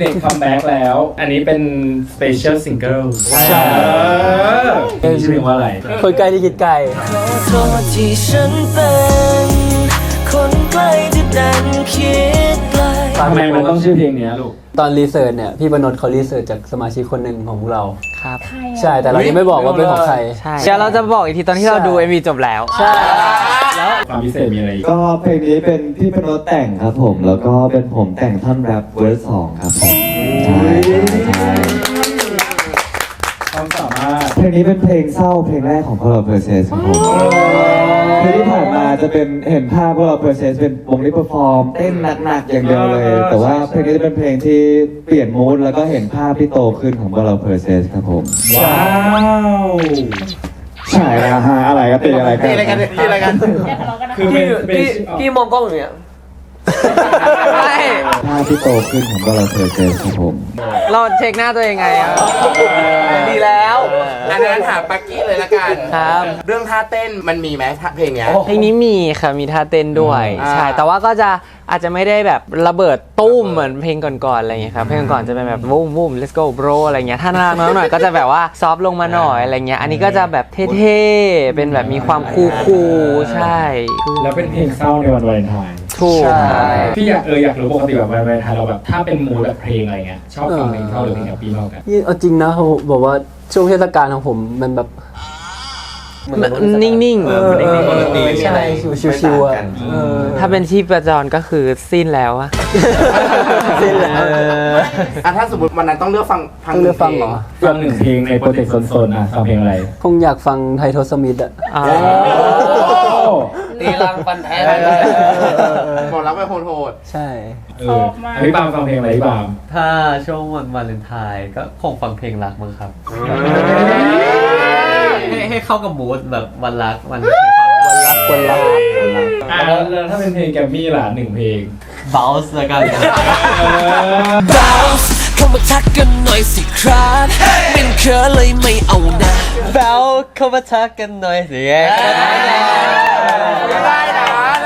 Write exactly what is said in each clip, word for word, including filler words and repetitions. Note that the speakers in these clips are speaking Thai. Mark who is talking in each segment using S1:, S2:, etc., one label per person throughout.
S1: เด็กคัมแบ็กแล้วอันนี้เป็นสเปเชียลซิงเกิลใช่ชื่อเพลงว่าอะไร
S2: คนใกล้ที่คิดไกล
S3: ขอโทษที่ฉันเป็นคนใกล้ที่ดันคิดไกล
S1: ทำไมมันต้องชื่อเพลงนี้ลูก
S2: ตอนรีเสิร์ชเนี่ยพี่บรรณเขารีเสิร์ชจากสมาชิกคนหนึ่งของพวกเรา
S4: ครับ
S2: ใช่แต่เรายังไม่บอกว่าเป็นของใคร
S4: ใช่เดี๋ยวเราจะบอกอีกทีตอนที่เราดู เอ็ม วี จบแล้ว
S2: ใช่
S1: แล้วความพิเศษมีอะไร
S5: ก็เพลงนี้เป็นพี่บรรณแต่งครับผมแล้วก็เป็นผมแต่งท่อนแรปเวอร์สสองครับผมใช่ใช่
S1: ความสามารถ
S5: เพลงนี้เป็นเพลงเศร้าเพลงแรกของพวกเราเพอร์เซสครับผมเพลงที่ผ่านมาจะเป็นเห็นภาพพวกเราเพอร์เซสเป็นวงที่เพอร์ฟอร์มเต้นหนักๆอย่างเดียวเลยแต่ว่าเพลงนี้จะเป็นเพลงที่เปลี่ยนมูดแล้วก็เห็นภาพที่โตขึ้นของพวกเราเพอร์เซสครับผม
S1: ว้าว
S5: ใช่แล้วฮะอะไรก็ตีอะไรกัน
S6: ตีอะไรกันตีอะไรกัน
S1: คือ
S2: พี่พี่มองกล้องอย่างเงี้ย
S4: ใช่
S5: ภาพที่โตขึ้นของพวกเราเพอร์เซสครับผม
S4: เราเช็คหน้าตัวเองไงอ่ะ
S6: ดีแล้วอันนั้นถามปักกี้เลยละกัน
S4: ครับ
S6: เรื่องท่าเต้นมันมีไหมเพลงเนี้ย
S4: เพลงนี้มีค่ะมีท่าเต้นด้วยใช่แต่ว่าก็จะอาจจะไม่ได้แบบระเบิดตุ้มเหมือนเพลงก่อนๆอะไรอย่างเงี้ยครับเพลงก่อนจะเป็นแบบวูมวูม let's go bro อะไรเงี้ยถ้าน่ารักน้อยหน่อยก็จะแบบว่าซอฟลงมาหน่อยอะไรเงี้ยอันนี้ก็จะแบบเท่ๆเป็นแบบมีความคูลๆใช่
S1: แล้วเป็นเพลงเศร้าในวันวาเลนไทน์
S4: ถูก
S1: พี่อยากเอออยากรู้ปกติแบบวันวาเลนไทน์เราแบบถ้าเป็นมูดแบบเพลงอะไรเงี้ยชอบฟังเพลงเศร้าหรือเพลงแฮปปี้มากกัน
S2: นี่เอาจริงนะเขาบอกว่าช่วงเทศกาลของผมมันแบบ
S4: นิ่งๆ
S2: ใช่ชิวๆอ่ะ
S4: ถ้าเป็นชีพจรก็คือสิ้นแล้วอะ
S2: สิ้นแล้ว
S6: อ่ะถ้าสมมติวันนั้นต้องเลือกฟัง
S2: ฟังเลือกฟังเหรอ
S1: ฟังหนึ่งเพลงในโปรเจกต์โซนๆอ่ะฟังเพลงอะไร
S2: คงอยากฟังไททอสมิธอ่ะ
S6: ตีลังฟันแท้บอกรับไปโหด
S2: ใช่
S1: พี่ปามฟังเพลงอะไรพี่ปาม
S7: ถ้าช่วงวันวาเลนไทน์ก็คงฟังเพลงรักมั้งครับให้ให้เข้ากับมูดแบบวันรักวัน
S2: วันรักวันรัก
S1: แล้วถ้าเป็นเพลงแกมมี่ล่ะหนึ่งเพลง
S7: Bounce ละกัน
S3: Bounce เข้ามาทักกันหน่อยสิครับเป็นเคิร์เลยไม่เอานะ
S7: Bounce เข้ามาทักกันหน่อยสิได้
S6: นะ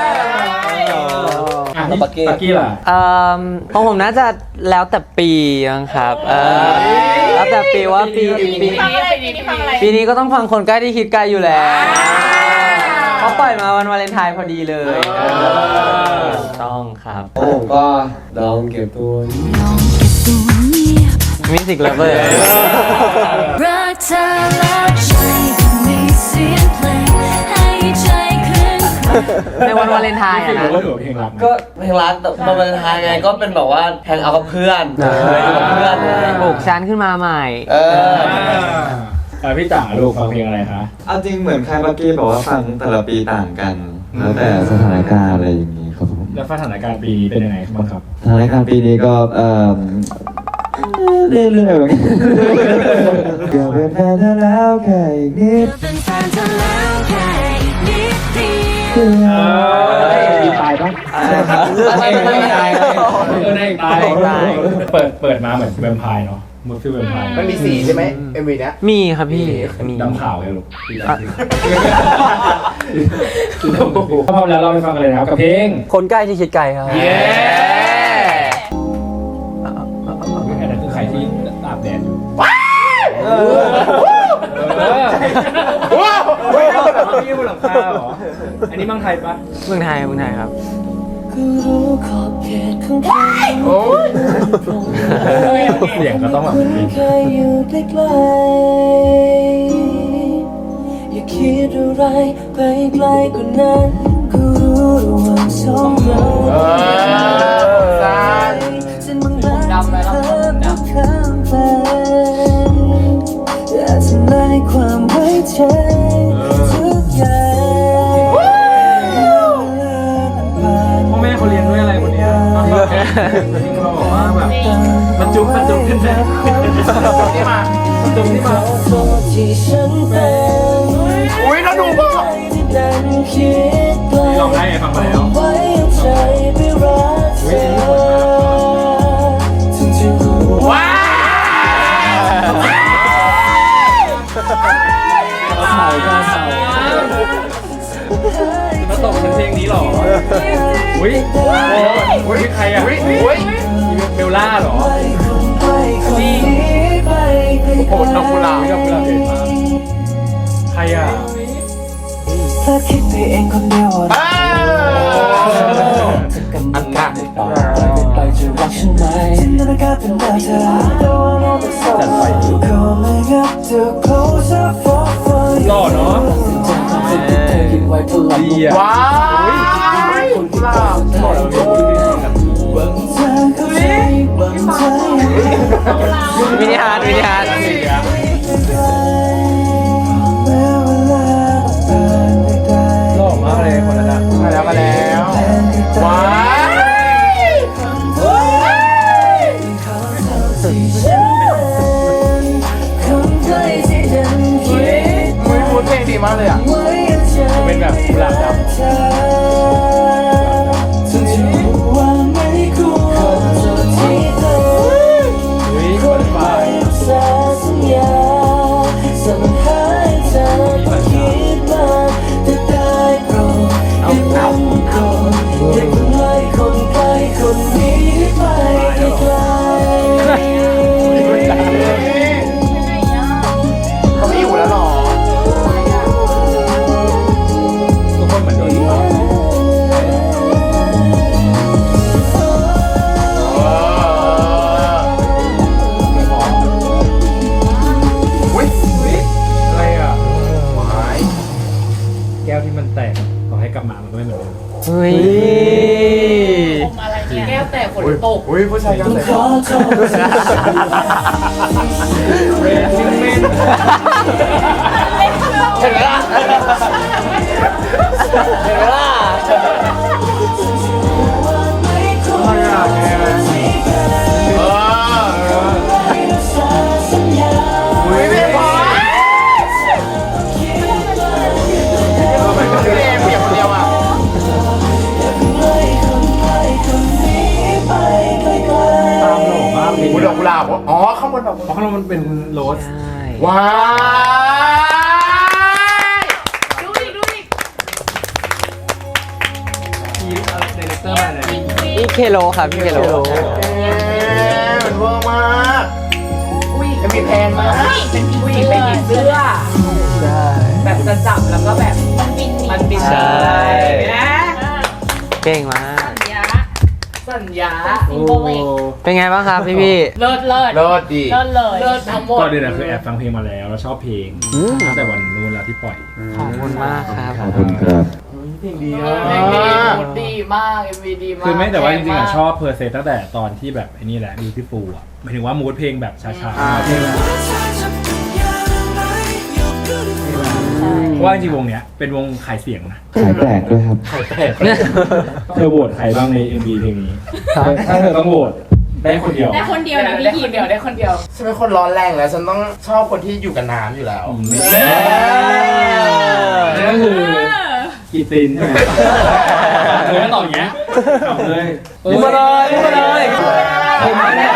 S1: ปักกี้ปักกี้ล่ะ
S4: เอ่อของผมน่าจะแล้วแต่ปีนะครับเออแล้วแต่ปีว่าปีปีนี้ปีนี้ก็ต้องฟังคนใกล้ที่คิดไกลอยู่แล้วเขาปล่อยมาวันวาเลนไทน์พอดีเลยต้องครับ
S5: ผมก็ลองเก็บตัว
S4: มิวสิกเลเวอร์
S3: รักเธอแล้วใจก็มีเสียงเพลงให้ใจขึ้น
S4: ในวันวาเลนไทน์อะนะ
S7: ก็เพลงรักแต่วันวาเลนไทน์ไงก็เป็นแบบว่าแฮงเอาท์กับเพื่อนกับเพื่อน
S4: ปลุกชั้นขึ้นมาใหม่
S7: เอ
S1: อพี่จ๋าลูกฟังเพลงอะไรคะ
S5: เอาจริงเหมือนใครเมื่อกี้บอกว่าฟังแต่ละปีต่างกันแล้วแต่สถานการณ์อะไรอย่างนี้ครับผม
S1: แล้วสถานการณ์ปีนี้เป็นยังไงบ้างครับ
S5: สถานการณ์ปีนี้ก็เอ่อเรื่อยๆเรื่อยๆเกือบเป็นแฟนเธอแล้วแค่อีกนิด
S3: เป็นแฟนเธอแล้วแค่อีกนิดเดี
S1: ยวมีตายปะไม่ไม่ตายเออได้ตายเปิดเปิดมาเหมือนแวมไพร์เนาะมือฟิวแวมไพร์
S6: มันมีสีใช่ไหมเอ็มวีเนี้ย
S4: มีครับพี่
S1: มีดำขาวไงลูกถ้าพร้อมแล้วเราไปฟังกันเลยนะครับกับเพลง
S2: คนใกล้ที่คิดไกลครับ
S1: เย้อันนั้นคือใครที่อาบแดดอยู่ว้าวว้าวนี่บนหลังคาเหรออันนี้เมืองไทยปะ
S4: เมืองไทยเมืองไทยครับ
S3: รู้ขอบเขตของใคร
S1: เสียงก็ต้องแบบ
S3: ใครอยู่ใกล้ๆอย่าคิดอะไรไปไกลกว่านั้นก็รู้ระหว่างสองเราเส้นบางๆเธอไม่ข้ามไปแต่ทำลายความไว้ใจทุกอย่าง
S1: พ่อแม่เขาเรียนด้วยอะไรคนนี้ที่เขาบอกว่าแบบมันจุ๊บมันจุ๊บขึ้นแบบนี่มาจุ๊บนี่มา
S6: อุ้ยแล้วดูป่ะ
S1: ลองได้ไงฟังมาแล้วว้าวมาตกเป็นเพลงนี้หรออุ้ยอุ้ยใครอ่ะอุ้ยอุ้ยเบลล่าหรอ
S6: โอ้โหดอกกุหลาบ
S1: ดอกกุหลาบเด่นมากใครอ่ะ
S7: ถ้าคิดไปเองคนเดียว
S6: อ้าวอันหนัก
S7: ไปจะรักฉันไหมจินตนาการเป็นแบบเธอ Calling up to closer for for
S1: หล่อเนาะ
S7: ดี
S6: ว้ายกุหลาบ
S4: มินิฮาร์ดมินิฮาร์ด
S1: หล่อมากเลยคนนั้นอะ
S6: มาแล้วมาแล้วว้ายอุ้ยพูดเพลงดีมากเลยอ่ะ
S1: เป็นแบบกุหลาบดำอุ้ยคนฝ่ายมีปัญหา
S6: เขาไม่อยู่แล้วหรอ
S1: ทุกคนเหมือนโดนเผา
S6: อุ้ย
S1: อะไรอ่ะ
S6: ว้าย
S1: แก้วที่มันแตกต่อให้กลับมามันก็ไม่เหมือนเดิม
S4: เฮ้ย
S8: อะไรเนี่ยแก้วแตกฝนตก
S6: อุ้ยผู้ชายกันเลย
S1: เรนซิเมน
S7: เห็นไหมล่ะเห็นไหมล่ะ
S6: เอออุ้ยไม่พอพี่เอมเปียกคนเดียวอ่ะ
S1: ตามหล่อมากเลย
S6: อุ้ยดอกกุหลาบเหรออ๋อข้างบนดอกกุห
S1: เพ
S6: ลาบ
S1: ราะข้างบนมันเป็นโรส
S4: ใช่
S6: ว้าย
S8: ดูอีกดูอีก
S1: ทีมเดเรคเตอร์มาเลย
S4: พี่เคโลครับพี่เคโล
S6: เอ๊ะมันเวอร์มาก
S8: อุ้ย
S6: จะมีแพงมาก
S8: เป็นผีเป็นผีเสื้อ แบบจะจับแล้วก็แบบมันบินมันบิน
S4: ใช่
S8: นะ
S4: เก่งมาก
S8: สัญญาสัญญา
S1: โอ้
S4: เป็นไงบ้างครับพี่พี่
S8: เลิศเลิศ
S6: เลิศดี
S8: เลิศเลยเลิศทั้งหมด
S1: ก่อนเดือนนะคือแอบฟังเพลงมาแล้วแล้วชอบเพลงตั้งแต่วันนู้นแล้วที่ปล่อย
S4: ขอบคุณมากครับ
S5: ขอบคุณครับ
S8: เพลงดีมูดดีมากเอ็มวีดีมาก
S1: คือไม่แต่ว่าจริงๆอะชอบเพอร์เซตั้งแต่ตอนที่แบบไอ้นี่แหละ Beautiful อ่ะหมายถึงว่ามูดเพลงแบบช้าๆเพลงแบบเพราะว่าจริงๆวงเนี้ยเป็นวงขายเสียงนะ
S5: ขายแปลกด้วยครับ
S1: เธอโหวตใครบ้างใน เอ็ม วี เพลงนี้ถ้าเธอต้องโหวตได้คนเดียว
S8: ได้คนเดียวนะได้คนเดียวได้คนเดียว
S6: ฉันเป็นคนร้อนแรงแล้วฉันต้องชอบคนที่อยู่กับน้ำอยู่แล้ว
S1: นั่นก็คือกีตินใช่ไหมเธอไม่ตอบอย่างเงี้ยตอบเลย
S4: พูดมาเลยพูดมาเลย
S1: ผมไม่ได้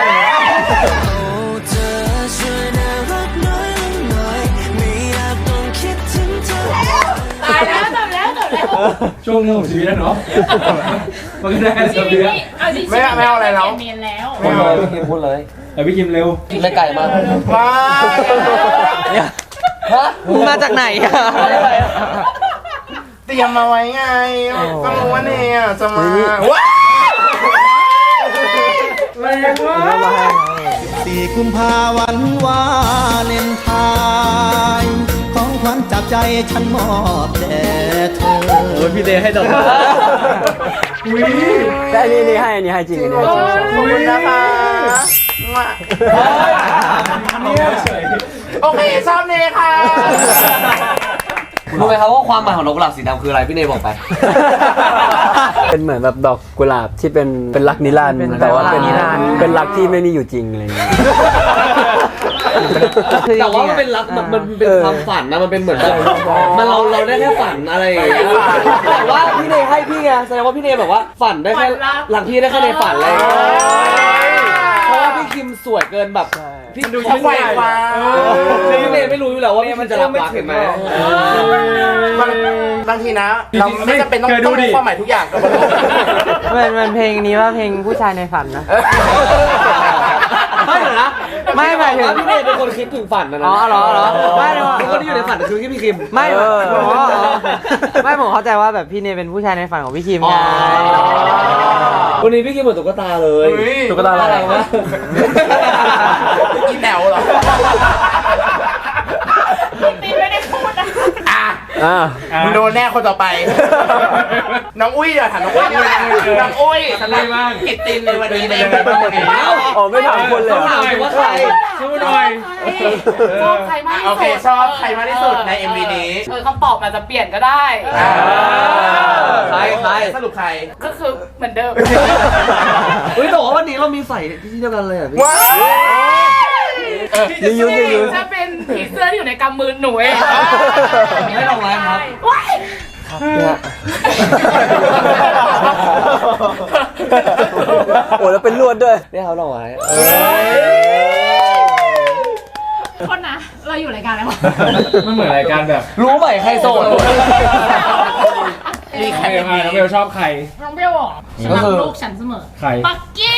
S8: ตายแล้วจบแล้วจบแล้ว
S1: ช่วงนึงของชีวิตนะเนาะมันก็ได้
S8: ชี
S1: สัก
S8: วิ
S1: เดื
S8: ต
S1: อน
S8: นี้เอาจริงๆ
S6: ไม่เอาไม่เอาอะไรแล้ว
S8: เปลี่ยนเมนแล้ว
S6: ไม่เอา
S7: พูดเลย
S1: แต่พี่คิมเร็ว
S7: ไม่ไกลมาก
S6: ว้าย
S7: ฮะ
S4: มาจากไหนอะ
S6: เตรียมมาไว้ไงก็รู้ว่าเนี่ยจะมาว้ายแรงมาก
S9: สี่กุมภาวันวาเลนไทน์ของขวัญจากใจฉันมอบแด่เธอ
S2: โอ้ยพี่เดย์ให้ดอกไม้
S1: อุ้ย
S2: แต่อันนี้นี่ให้อันนี้ให้จริงอันนี้ให้จริง
S6: ขอบคุณนะคะมา
S1: เนี่ยเฉย
S6: โอเคชอบเนค่ะ
S7: รู้ไหมครับว่าความหมายของนกกุหลาบสีดำคืออะไรพี่เนยบอกไป
S2: เป็นเหมือนแบบดอกกุหลาบที่เป็นเป็นรักนิรันดร์แต่ว่าเป็นเป็นรักที่ไม่มีอยู่จริงอะไรอย่างเงี้ย
S7: แต่ว่ามันเป็นรักมันมันเป็นความฝันนะมันเป็นเหมือนแบบมันเราเราได้แค่ฝันอะไรอย่างเงี้ยแต่ว่าพี่เนยให้พี่ไงแสดงว่าพี่เนยแบบว่าฝันได้แค่หลังพี่ได้แค่ในฝันเลยเพราะว่าพี่คิมสวยเกินแบบพี่ดู
S6: เขาไขว่คว้า
S7: พี่เนยไม่รู้อยู่แล้วว่ามันจะรับรักเห็นไหม
S6: บางบางทีนะ เราไม่จำเป็นต้องต้องรู้ความหมายทุกอย่างกับมัน
S4: มันมันเพลงนี้ว่าเพลงผู้ชายในฝันนะ
S7: ไม่เหรอนะ
S4: ไม่หมายถึง
S7: พี่เนยเป็นคนคิดถึงฝันนะนะ
S4: อ๋อเหรอเหรอไม่หรอก
S7: คนที่อยู่ในฝันคือพี่คิม
S4: ไม่ผมอ๋อไม่ผมเข้าใจว่าแบบพี่เนยเป็นผู้ชายในฝันของพี่คิมไง
S7: วันนี้พี่คิมเหมือนตุ๊กตาเลยตุ๊กตาอะไรวะ
S6: กินแนวเหรอ
S8: ตีไม่ได้พูดนะ
S6: อ่ะ
S2: อ่า
S6: มึงโดนแน่คนต่อไป น้องอุ้ยเดี๋ยวถามน้องอุ้ยดีกว่าน้องอุ้ยสำหรับกิตตินในวันนี้ในเอ็มวีเป็นยังไง
S2: อ๋อไม่ถามคนเลยเหรอ
S7: ถามว่าใคร
S1: สู้หน่อย
S8: ชอบใครมากที่สุด
S6: โอเคชอบใครมากที่สุดใน เอ็ม วี นี้
S8: เออคำตอบอาจจะเปลี่ยนก็ได้
S7: ใครใคร
S6: สรุปใคร
S8: ก็คือเหมือนเดิม
S7: เฮ้ยแต่ว่าวันนี้เรามีใส่ที่เดียวกันเลยอ่ะพี่
S6: ว้าว
S2: รียูนรียูน
S8: จะเป็นผีเสื้อที่อยู่ในกำมือหนูเอง
S7: ไม่ลงไลน์ครับ
S8: ว้าย
S2: โอ้แล้วเป็นลวดด้วย
S7: เนี่ยเขาลงไว้
S8: คนนะ เราอยู่รายการอะไรวะ
S1: มันเหมือนรายการแบบ
S7: รู้ไหมใครโสด
S6: รี
S1: ใค
S6: แค
S1: ร
S6: ป
S1: มาน้องเบลชอบใคร
S8: น้องเบลบอกฉันรักลูกฉันเสมอ
S1: ใคร
S8: ปักกี้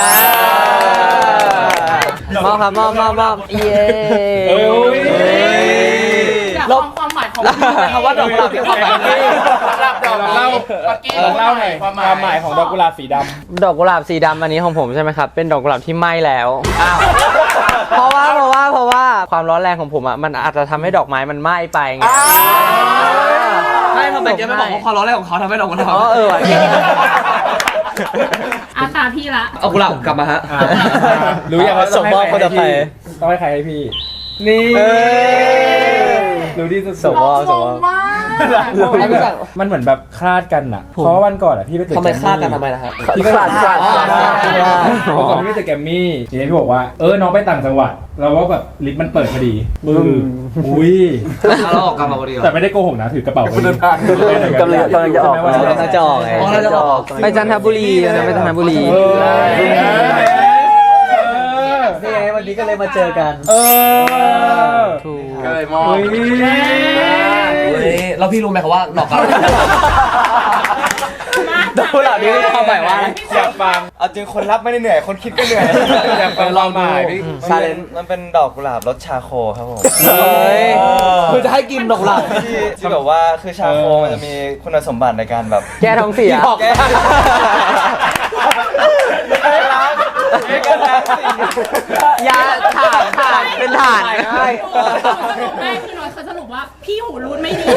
S4: มอบครับมอบมอบมอบเย้
S1: เอ้ย
S8: อยากฟังความหมายของ
S7: คำว่าดอกกุหลาบมีความหมาย
S6: รับดอกเล่าปักกี้
S1: ลองเล่าหน่อยความหมายของดอกกุหลาบสีดำ
S4: ดอกกุหลาบสีดำอันนี้ของผมใช่ไหมครับ เป็นดอกกุหลาบที่ไหม้แล้ว เพราะว่าเพราะว่าเพราะว่าความร้อนแรงของผมอ่ะมันอาจจะทำให้ดอกไม้มันไหม้ไปไง
S7: ไม่ทำไมแกไม่บอกว่าความร้อนแรงของเขาทำให้ดอกกุหลาบ
S4: อ๋อเออว่ะ
S8: อาตาพี่ละ
S7: เอากุหลาบกลับมาฮะ
S1: อ่ะรู้ยังว่า
S2: ส่งมอบคนต่อไป
S1: ต้องให้ใครให้พี่ นี่รู้ดีสุดๆ
S2: ส่งมอบส่งมอบ
S8: มาก
S1: มันเหมือนแบบคลาดกันอ่ะ เพราะว่าวันก่อนอ่ะพี่ไปตึก
S7: ทำไม
S1: แกร
S7: ฆ่า
S1: มี่
S7: กันทำไมนะฮะ
S1: พี่ก็
S2: ขาดขาดขาดขาด
S1: เมื่อก่อนพี่ไปตึกแกรมมี่ทีนี้พี่บอกว่าเออน้องไปต่างจังหวัดเราว่าแบบลิฟต์มันเปิดพอดีมืออุ้ย
S7: เราออกกลับมาพอดีเหรอ
S1: แต่ไม่ได้โกหกนะถือกระเป๋าไป
S2: กำลังกำลังจะออก
S1: ใช่ไหมว่
S2: กำลังจะออกไง
S7: อ๋อเราจะออก
S4: ไปจันทบุรีนะไปจันทบุรี
S1: เออ
S2: นี่ไงวันนี้ก็เลยมาเจอกัน
S1: เออ
S4: ถูก
S6: ก็เลยมอง
S1: เฮ้ย
S7: แล้วพี่รู้ไหมครับว่าดอกกุหลาบ
S2: ดอกกุหลาบนี่ความหมายว่า
S1: อยากฟัง
S5: เอาจริงคนรับไม่ได้เหนื่อย คนคิดก็เหนื่อย
S1: อยากฟังความหมายพี่
S5: ชาเลนมันเป็นดอกกุหลาบรสชาโคครับผม
S4: เฮ้ย
S7: คือจะให้กินดอกกุหลาบ
S5: ที่ที่แบบว่าคือชาโคมันจะมีคุณสมบัติในการแบบ
S4: แก้ท้องเสีย
S5: แก้
S4: ยาถ่านถ่านเป็นถ่าน
S8: ไม่คือน้อยเขาสรุปว่าพี่หูรูดไม่ดี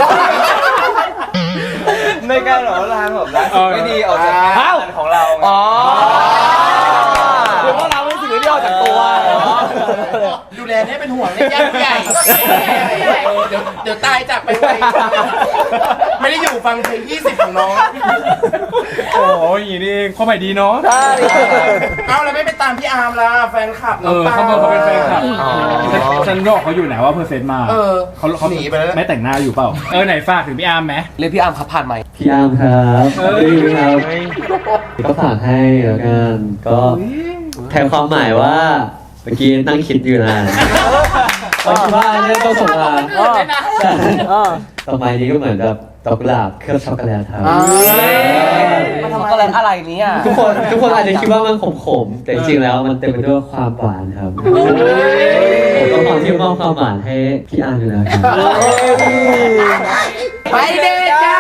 S5: ในการหล่อล้างแบบล้างสิ่งไม่ดีออกจากงานของเราไง
S7: อ๋อเดี๋ยวว่าเราไม่ถือที่ออกจากตัว
S6: ดูแลเนี่ยเป็นห่วงเนี่ยญาติใหญ่เดี๋ยวเดี๋ยวตายจากไปไวไม่ได้อยู่ฟังเพลงยี่สิบของน้อง
S1: โอ้ยอย่างนี้นี่เองความหมายดีเนาะ
S6: เอาแล้วไม่ไปตามพี่อาร์มล่ะแฟนคลับ
S1: เออเขาบอกเขาเป็นแฟนคลับฉันบอกเขาอยู่ไหนว่าเพอร์เซ็นต์มา
S6: เออ
S1: เขาเขา
S6: หนีไปแล้ว
S1: ไม่แต่งหน้าอยู่เปล่าเออไหนฝากถึงพี่อาร์มไหม
S7: เรียกพี่อาร์มครับผ่านไหม
S2: พี่อาร์มครับ
S1: เอ้ย
S2: พี่ครับก็ฝากให้แล้วกันก็แทนความหมายว่าเมื่อกี้นั่งคิดอยู่นานว่าว่าเรื่องต้องส่งมา
S8: คนอื่นเลยนะ
S2: ต่อไปนี้ก็เหมือนแบบดอกกุหลาบเคลือบช็อกโกแลตครับ
S7: มันทำอะไรอะไรนี้อ่ะ
S2: ทุกคนทุกคนอาจจะคิดว่ามันขมๆ แต่จริงๆแล้วมันเต็มไปด้วยความหวานครับผมต้องขอที่มอบความหวานให้พี่อาร์มอยู่แล้วครับ
S6: ไปเดทจ้า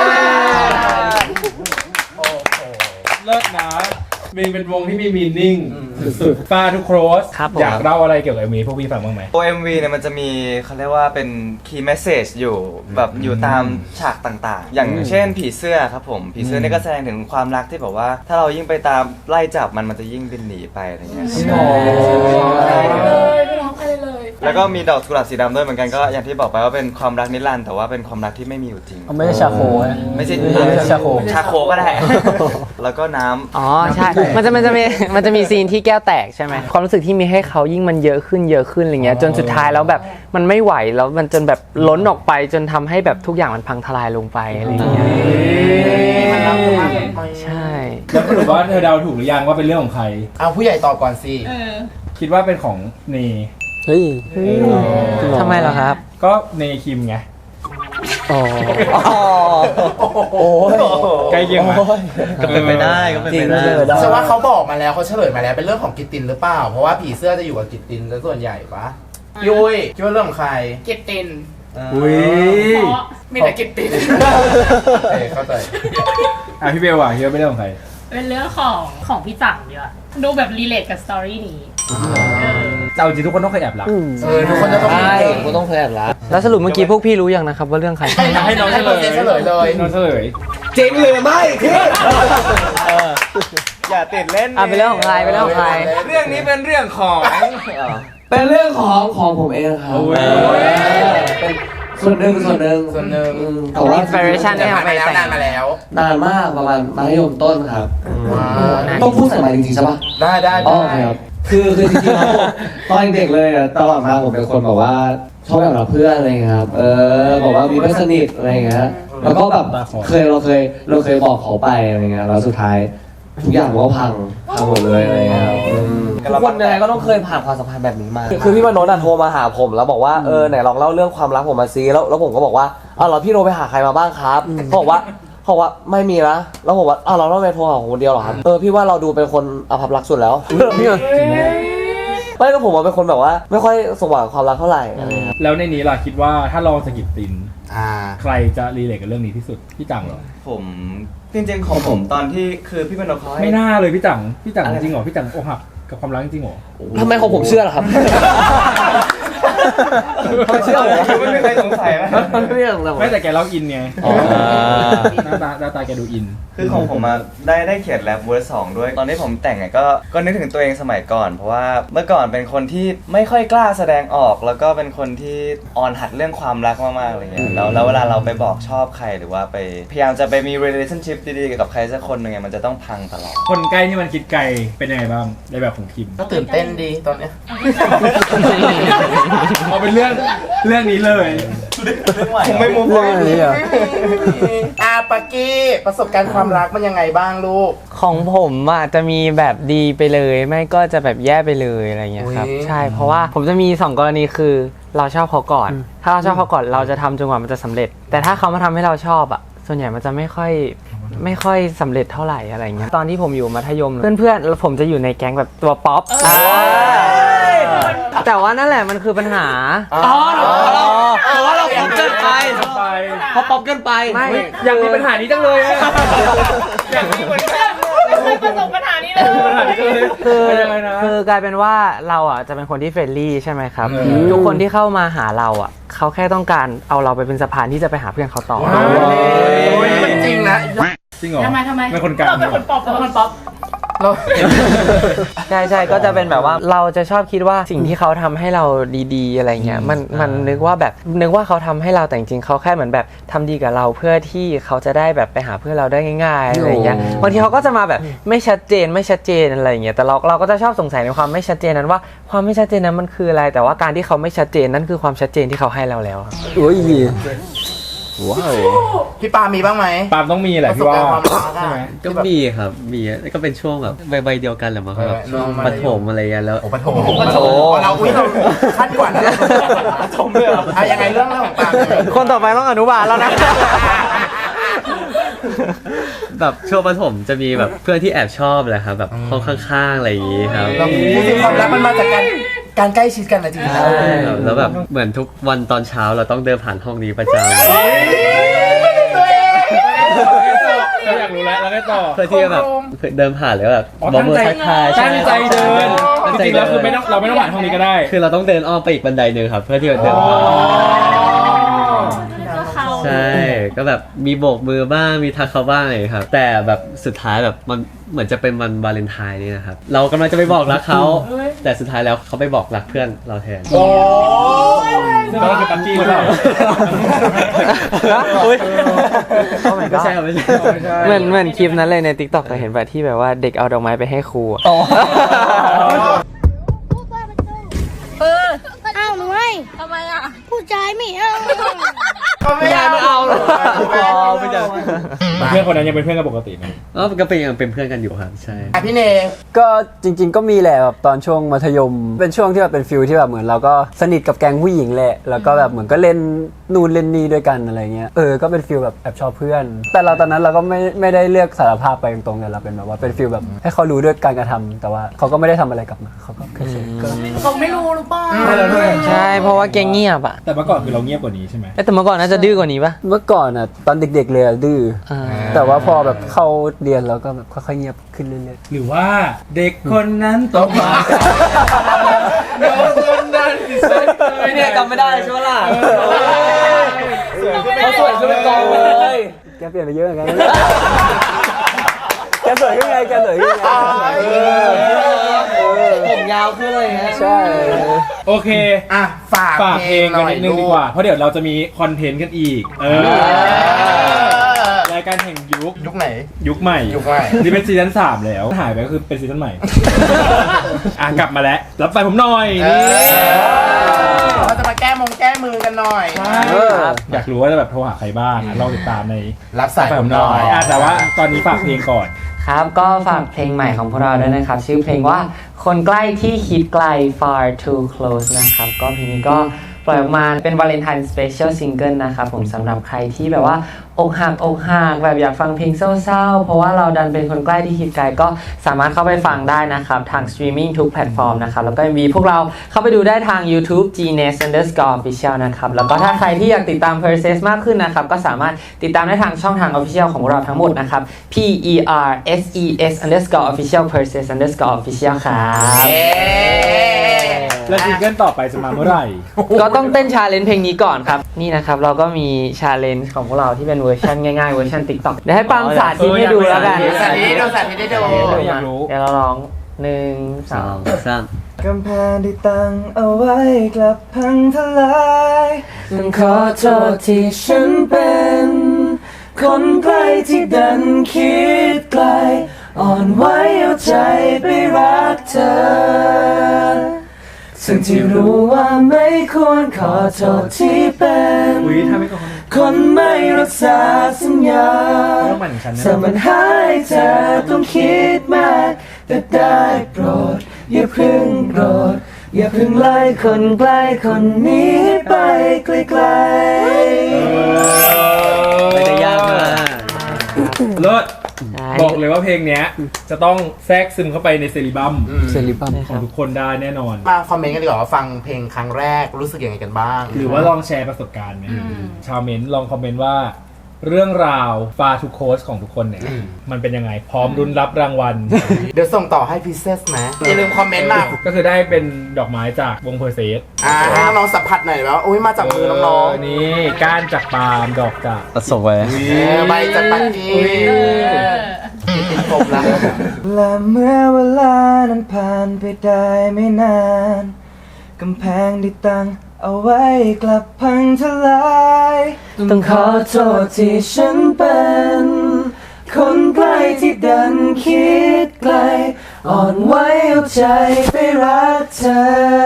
S1: เลิศนะมีเป็นวงที่มีมีนิ่งสุดๆฟาทุกโครส
S4: ครับผม
S1: อยากเล่าอะไรเกี่ยวกับเอ็มวีพวกพี่ฟังบ้างไหม
S5: ตัว เอ็ม วี เนี่ยมันจะมีเขาเรียกว่าเป็น key message อยู่แบบอยู่ตามฉากต่างๆ อย่างเช่นผีเสื้อครับผม ผีเสื้อเนี่ยก็แสดงถึงความรักที่แบบว่า ถ้าเรายิ่งไปตามไล่จับมันมันจะยิ่งบินหนีไปอะไรเงี้ย
S8: เลยไม่ร้องใครเลย
S5: แล้วก็มีดอกกุหลาบสีดำด้วยเหมือนกันก็อย่างที่บอกไปว่าเป็นความรักนิรันดร์แต่ว่าเป็นความรักที่ไม่มีอยู่จริง
S2: ไม่ใช่ชาโค
S5: ไม่ใช่
S2: ไม่ใช่ชาโค
S5: ชาโคก็ได้ แล้วก็น้ำ
S4: อ๋อใช่ มันจะมันจะมีมันจะมีซีนที่แก้วแตกใช่ไหมความรู้สึกที่มีให้เขายิ่งมันเยอะขึ้นเยอะขึ้นอะไรเงี้ยจนสุดท้ายแล้วแบบมันไม่ไหวแล้วมันจนแบบล้นออกไปจนทำให้แบบทุกอย่างมันพังทลายลงไปอะไรเงี้ย
S6: มันรักเธอมากเลย
S4: ใช่
S1: แล้วสรุปว่าเธอเดาถูกหรือยังว่าเป็นเรื่องของใคร
S6: เอาผู้ใหญ่ตอบก่อนสิ
S1: คิดว่าเป็นของเน
S2: เฮ้ย
S4: ทำไมเหรอครับ
S1: ก็เนคิมไง
S2: อ๋อ
S7: โอ้ย
S1: ใกล้เคียงไหม
S2: ก็เป็นไปได้ก็เป็นไปได้
S7: จริงๆ
S6: ฉันว่าเขาบอกมาแล้วเขาเฉลยมาแล้วเป็นเรื่องของกิตตินหรือเปล่า เพราะว่าผีเสื้อจะอยู่กับกิตตินซะส่วนใหญ่ปะยุ้ยคิดว่าเรื่องของใคร
S8: เก็บติน
S1: อุ้ย
S8: เพราะมีแต่เก็บติน
S6: เอ้ยเข้าใจ
S1: อ่ะพี่เบลว่ะคิดว่าเป็นเรื่องของใคร
S8: เป็นเรื่องของของพี่จังดีกว่าดูแบบรีเลทกับสตอรี่นี้
S1: เอาจริงทุกคนต้องเคยแอบรัก
S6: เออทุกคนจะต้องมี
S7: ใช่
S6: เรื่อง
S7: กูต้องเคยแอบรัก
S4: แล้วสรุปเมื่อกี้พวกพี่รู้ยังนะครับว่าเรื่องใคร
S6: ให้น้องให้น้องเฉลยเฉลยเลย
S1: น้องเฉลย
S7: จริงหรือไม่พี่
S2: อย่าติดเล่น
S4: อ่ะเป็นเรื่องของใครเป็นเรื่องของใคร
S1: เรื่องนี้เป็นเรื่องของ
S7: เป็นเรื่องของของผมเองครับ
S1: โอ้ย
S7: เป็นส่วนหนึ่งส่วนหนึ่ง
S6: ส่วนหนึ่ง
S7: อืมแต่ว่า
S4: inspiration
S6: นานมาแล้วนานมาแล้ว
S7: นานมากประมาณมัธยมต้นครับ
S6: ว้าว
S7: ต้องพูดใส่ไมค์จริงๆใช่ปะ
S6: ได้ได้
S7: อ๋อ
S6: ได้
S7: ครับคือคือจริงๆแล้วผมตอนเด็กเลยอะตลอดมาผมเป็นคนแบบว่าชอบแบบเราเพื่อนอะไรเงี้ยครับเออบอกว่ามีเพื่อนสนิทอะไรเงี้ยแล้วก็แบบเคยเราเคยเราเคยบอกเขาไปอะไรเงี้ยแล้วสุดท้ายทุกอย่างมันก็พังพังหมดเลยอะไรเงี้ยครับอืมทุกคนยังไงก็ต้องเคยผ่านความสัมพันธ์แบบนี้มาคือพี่มโนนโทรมาหาผมแล้วบอกว่าเออไหนลองเล่าเรื่องความรักผมมาซิแล้วแล้วผมก็บอกว่าอ้าวเหรอพี่โทรไปหาใครมาบ้างครับเขาบอกว่าเขาบอกว่าไม่มีนะแล้วผมว่าอ้าวเราต้องไปโทรหาคนเดียวเหรอครับเออพี่ว่าเราดูเป็นคนอภัพรักสุดแล้ว ไม่ก็ผมว่าเป็นคนแบบว่า ไม่ค่อยสว่างความรักเท่าไหร่อะไรเงี้ย
S1: แล้วในนี้ล่ะคิดว่าถ้าลองสกิปติน
S6: อ่า
S1: ใครจะรีเลทกับเรื่องนี้ที่สุดพี่จังเหรอ
S2: ผมจริงๆของผมตอนที่คือพี่เป็นนกเขาให้
S1: ไม่น่าเลยพี่จังพี่จัง
S2: อะไร
S1: จริงเหรอพี่จังอกหักกับความรักจริงเหรอ
S7: ทำไมของผมเชื่อล่ะครับ ทำไมเชื่อผมวะ
S2: ไม่มีใครสงสัยไหม
S7: มันไม่เรื่องอะไร
S1: ไม่แต่แกเล่าอินไง
S7: อ๋อ
S1: หน้าตาหน้าตาแกดูอิน
S2: คือของผมอะได้ได้เขียนแรปเวอร์สองด้วย ตอนที่ผมแต่งอะก็ก็นึกถึงตัวเองสมัยก่อน เพราะว่าเมื่อก่อนเป็นคนที่ไม่ค่อยกล้าแสดงออก แล้วก็เป็นคนที่อ่อนหัดเรื่องความรักมากๆอะไรเงี้ยแล้วแล้วเวลาเราไปบอกชอบใครหรือว่าไปพยายามจะไปมี relationship ดีๆกับใครสักคนหนึ่งอะมันจะต้องพังตลอด
S1: คนใกล้ที่มันคิดไกลเป็นยังไงบ้างในแบบของคิม
S6: ก็ตื่นเต้นดีตอนเนี้ย
S1: เอาเป็นเรื่องเรื่องนี้เลย
S2: ผมไม่มุกเลย
S6: อาปากกี้ประสบการณ์ความรักมันยังไงบ้างลูก
S4: ของผมอ่ะจะมีแบบดีไปเลยไม่ก็จะแบบแย่ไปเลยอะไรเงี้ยครับ
S6: อุ๊ย
S4: ใช่เพราะว่าผมจะมีสองกรณีคือเราชอบเขาก่อน ถ้าเราชอบเขาก่อนเราจะทำจนกว่ามันจะสำเร็จ แต่ถ้าเขามาทำให้เราชอบอ่ะส่วนใหญ่มันจะไม่ค่อยไม่ค่อยสำเร็จเท่าไหร่อะไรเงี้ยตอนที่ผมอยู่มัธยมเพื่อนๆแล้วผมจะอยู่ในแก๊งแบบตัวป๊อปอ่าแต่ว่านั่นแหละมันคือปัญหา
S7: อ๋อเราเพราะว่าเราป๊อปเกินไป
S1: ไป
S7: เขาป๊อปเกินไป
S4: ไม่
S1: อยากมีปัญหานี้จังเลยอะอยากมีเหมือนกัน
S8: ไม่เคยประสบปัญหานี้เลย
S1: ปัญหานี้จังเลย
S4: คือ
S1: เป็นยังไงนะ
S4: คือกลายเป็นว่าเราอ่ะจะเป็นคนที่เฟรนลี่ใช่ไหมครับ
S1: อืม
S4: ทุกคนที่เข้ามาหาเราอ่ะเขาแค่ต้องการเอาเราไปเป็นสะพานที่จะไปหาเพื่อนเขาต่อ
S6: โอ้ยมันจริงนะ
S1: จริงเหรอ
S8: ทำไมทำไม
S1: เป็นคนกลาง
S8: เราเป็นคนป๊อปเราเป็นคนป๊อป
S6: เรา
S4: ใช่ใช่ก็จะเป็นแบบว่าเราจะชอบคิดว่าสิ่งที่เขาทำให้เราดีๆอะไรเงี้ยมันมันนึกว่าแบบนึกว่าเขาทำให้เราแต่จริงๆเขาแค่เหมือนแบบทำดีกับเราเพื่อที่เขาจะได้แบบไปหาเพื่อนเราได้ง่ายๆอะไรเงี้ยบางทีเขาก็จะมาแบบไม่ชัดเจนไม่ชัดเจนอะไรเงี้ยแต่เราเราก็จะชอบสงสัยในความไม่ชัดเจนนั้นว่าความไม่ชัดเจนนั้นมันคืออะไร แต่ว่าการที่เขาไม่ชัดเจนนั่นคือความชัดเจนที่เขาให้เราแล้วครับ
S2: อุ้ย
S4: ว้าว
S6: พี่ปามีบ้างไหม
S1: ปาล์มต้องมีแหละพี่ว่า
S6: ประสบการณ์ความรักอะ
S1: ใช่ไหม
S2: ก็มีครับมีก็เป็นช่วงแบบใบๆเดียวกันแหละมั้งครับ
S6: เออช่วงมั
S2: ป
S6: ธยม
S2: ฐมอะไรเงี้ยแล้ว
S6: โอ้ปฐมปฐมเราอุ้ยเราขั้นกว่านั้นปฐมเลยเหรออ่ะยังไงเรื่องเรื่องของปาล์มยังไง
S4: คนต่อไปต้องอนุบาลแล้วนะ
S2: แบบช่วงประถมจะมีแบบเพื่อนที่แอบชอบแหละครับแบบห้องข้างๆอะไรอย่างงี้ครับ
S6: เราจริงๆความรักมันมาจากการการใกล้ชิดกันนะจริงๆ
S2: ใช่ครับแล้วแบบเหมือนทุกวันตอนเช้าเราต้องเดินผ่านห้องนี้ประจำ
S1: เราอยากรู้แล้วแล้วไงต่อ
S2: เพื่อที่จะแบบเดินผ่านแล้วแบบ
S1: อ๋อ
S2: บอกมือ
S1: ตั้
S2: ทั
S1: ง
S2: ก
S1: ใจ
S2: ทาย
S1: ตั้งใจเดิน
S2: ตั้ง
S1: จ
S2: ใจ
S1: ริงๆ
S2: เดิ
S1: แล้ว
S2: น
S1: คือไม่ต้องเราไม่ต้องผ่านห้องนี้ก็ได้
S2: คือเราต้องเดินอ้อมไปอีกบันไดหนึ่งครับเพื่อที่จะเดินผ่าน
S8: ก็เขา
S2: ใช่ก็แบบมีโบกมือบ้างมีทักเขาบ้างอะไรอย่างเงี้ยครับแต่แบบสุดท้ายแบบมันเหมือนจะเป็นวันวาเลนไทน์นี่นะครับเรากำลังจะไปบอกรักเขาแต่สุดท้ายแล้วเขาไปบอกรักเพื่อนเราแทน
S6: โอ้
S1: ซึ่งก็คือปักกี้หรือเปล่า
S4: อุ๊ย Oh my
S2: ไม่
S4: god
S2: ใช่ครับไม่ใช่
S4: เหมือนเหมือนคลิปนั้นเลยใน TikTok เคยเห็นแบบที่แบบว่าเด็กเอาดอกไม้ไปให้ครูอะ
S3: เอออ้าวหนูให้ทำไมอ่ะ ผู้ชายไม่เอา
S6: เขาไม่เอา
S7: ไม่เอาหรอก
S6: ไม่เอาไม่เอา
S1: เพื่อนคนนั้นยังเป็นเพื่อนกันปกติไหม
S7: เออก็เป็นยังเป็นเพื่อนกันอยู่ครับใช่
S6: อ่ะพี่เน
S10: ก็จริงๆก็มีแหละแบบตอนช่วงมัธยม เป็นช่วงที่แบบเป็นฟิลที่แบบเหมือนเราก็สนิทกับแก๊งผู้หญิงแหละแล้วก็แบบเหมือนก็เล่นนู่นเล่นนี่ด้วยกันอะไรเงี้ยเออก็เป็นฟิลแบบแอบชอบเพื่อน แต่เราตอนนั้นเราก็ไม่ไม่ได้เลือกสารภาพไปตรงๆแต่เราเป็นแบบว่าเป็นฟิลแบบให้เขารู้ด้วยการกระทำแต่ว่าเขาก็ไม่ได้ทำอะไรกลับมาเขาก็แค่เฉยๆก็
S8: เขาไม่รู้หรือเปล่า
S4: ใช่เพราะว่าแกเงียบอ่ะ
S1: แต่เมื่อก่อนคือเราเงียบกว่านี้ใช่ไหม
S4: เอ้ยแต่เมื่อก่อนน่าจะดื้อกว่านี้ปะ
S10: เมื่อก่อนอ่ะตอนเด็กๆเลยอะดื้อ
S4: อ่า
S10: แต่ว่าพอแบบเข้าเรียนแล้วก็แบบค่อยๆเงียบขึ้นเรื่อย
S1: หรือว่าเด็กคนนั้นโตมาเด็กคนนั้นที่สวย
S7: พี่เนยจำไม่ได้ใช่ไหมล่ะเขาสวยขึ้นเป็นกองเลย
S10: ๆแกเปลี่ยนไปเยอะเหมือนกันแกสวยขึ้นไงแกสวยขึ้นไง
S7: ผมยาวขึ้นเลยฮะ
S10: ใช่
S1: โอเค
S6: อ่ะฝาก
S1: ฝากเพลงกันนิดนึงดีกว่า เพราะเดี๋ยวเราจะมีคอนเทนต์กันอีก เออ รายการแห่งยุค
S6: ยุคไหน
S1: ยุคใหม่
S6: ยุคใหม่
S1: นี่เป็นซีซั่นสามแล้ว หายไปก็คือเป็นซีซั่นใหม่ อ่ะกลับมาแล้ว รับไฟผมหน่อย
S6: เอ
S1: นี่
S6: อเราจะมาแก้มงแก้มือกันหน่อย
S1: ใช่อยากรู้ว่าจะแบบโทรหาใครบ้างอ่ะลองติดตามใน
S6: รับสาย
S1: ไฟ
S6: ผ
S1: ผม ม
S6: ห
S1: ห
S6: น่
S1: น่
S6: อ
S1: อย ยอ่ะแต่ว่าตอนนี้ฝากเพลงก่อน
S4: ครับก็ฝากเพลงใหม่ของพวกเราด้วยนะครับ ชื่อเพลงว่าคนใกล้ที่คิดไกล far too close นะครับก็เพลงนี้ก็ปล่อยออกมาเป็นวาเลนไทน์สเปเชียลซิงเกิลนะครับผมสำหรับใครที่แบบว่าอกหักอกหักแบบอยากฟังเพลงเศร้าๆเพราะว่าเราดันเป็นคนใกล้ที่คิดไกลก็สามารถเข้าไปฟังได้นะครับทางสตรีมมิ่งทุกแพลตฟอร์มนะครับแล้วก็มีพวกเราเข้าไปดูได้ทาง YouTube Genius Underscore Official นะครับแล้วก็ถ้าใครที่อยากติดตาม Perses มากขึ้นนะครับก็สามารถติดตามได้ทางช่องทาง Official ของพวกเราทั้งหมดนะครับ P E R S E S Underscore Official Perses Underscore Official ครับ
S1: แล้วซิงเกิลต่อไปจะมาเมื่อไหร่
S4: ก็ต้องเต้นชาเลนจ์เพลงนี้ก่อนครับ นี่นะครับ เราก็มีชาเลนจ์ของพวกเราที่เป็นเวอร์ชันง่ายๆ เวอร์ชัน TikTok เดี๋ยวให้ปังสาธิตให้ดูแล้วกัน
S6: เออสาธิตดูสาธิตให้ดู
S1: อยากรู้
S4: เดี๋ยวเราร้องหนึ่งส
S7: ส
S4: อ
S7: อง งสาม
S2: กำแพงที่ตั้งเอาไว้กลับพังทลาย
S4: ต้องขอโทษที่ฉันเป็น คนใกล้ที่ดันคิดไกล อ่อนไหวเอาใจไปรักเธอ ซึ่งที่รู้ว่าไม่ควรขอโทษที่เป็น
S1: อุ้ยถ้าไม่ก็คน
S4: คนไม่รักษาสัญญา
S1: ไม่ต้องปั่นฉันนะ
S4: สมันหายเธอต้องคิดมากแต่ได้โปรดอย่าเพึ่งโกรธอย่าเพึ่งไล่คนใกล้คนนี้ไปไกล
S7: ไม่ได้ยากมาก
S1: เลิศ
S4: ๆ
S1: บอกเลยว่าเพลงเนี้ยจะต้องแทรกซึมเข้าไปในเซริบัม
S10: เซริบัม
S1: ของทุกคนได้แน่นอน
S6: มาคอมเมนต์กันดีกว่าว่าฟังเพลงครั้งแรกรู้สึกยังไงกันบ้าง
S1: หรือว่าลองแชร์ประสบการณ์ไหมชาวเมนต์ลองคอมเมนต์ว่า เรื่องราวฟาทูโคสของทุกคนเนี่ย มันเป็นยังไง พร้อมรุนรับรางวัล
S6: เดี๋ยวส่งต่อให้พิเศษนะอย่าลืมคอมเมนต์มา
S1: ก็คือได้เป็นดอกไม้จากวงเพอร์เซส
S6: อ่าให้น้องๆสัมผัสหน่อยว่าอุ้ยมาจากมือน้อง
S1: ๆนี่ก้านจากปาล์มดอกจาก
S7: ประสบไว้
S6: ๆเออใบจากปักกี้ติดผมแล้ว
S2: และเมื่อเวลานั้นผ่านไปได้ไม่นานกำแพงที่ตั้งเอาไว้กลับพังทลาย
S4: ต้องขอโทษที่ฉันเป็น คนใกล้ที่ดันคิดไกล อ่อนไหวเอาใจไปรักเธอ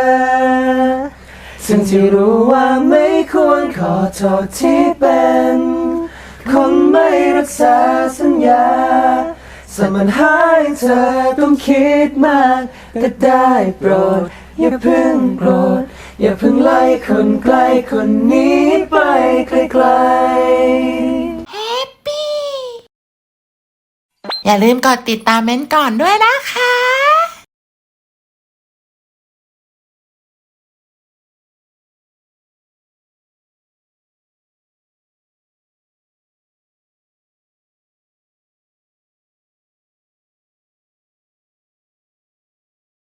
S4: ซึ่งที่รู้ว่าไม่ควรขอโทษที่เป็น คนไม่รักษาสัญญาสมันหายเธอต้องคิดมากก็ได้โปรดอย่าเพิ่งโกรธอย่าเพิ่งไล่คนใกล้คนนี้ไปไกลๆ
S11: อย่าลืมกดติดตามเม้นท์ก่อนด้วยนะคะ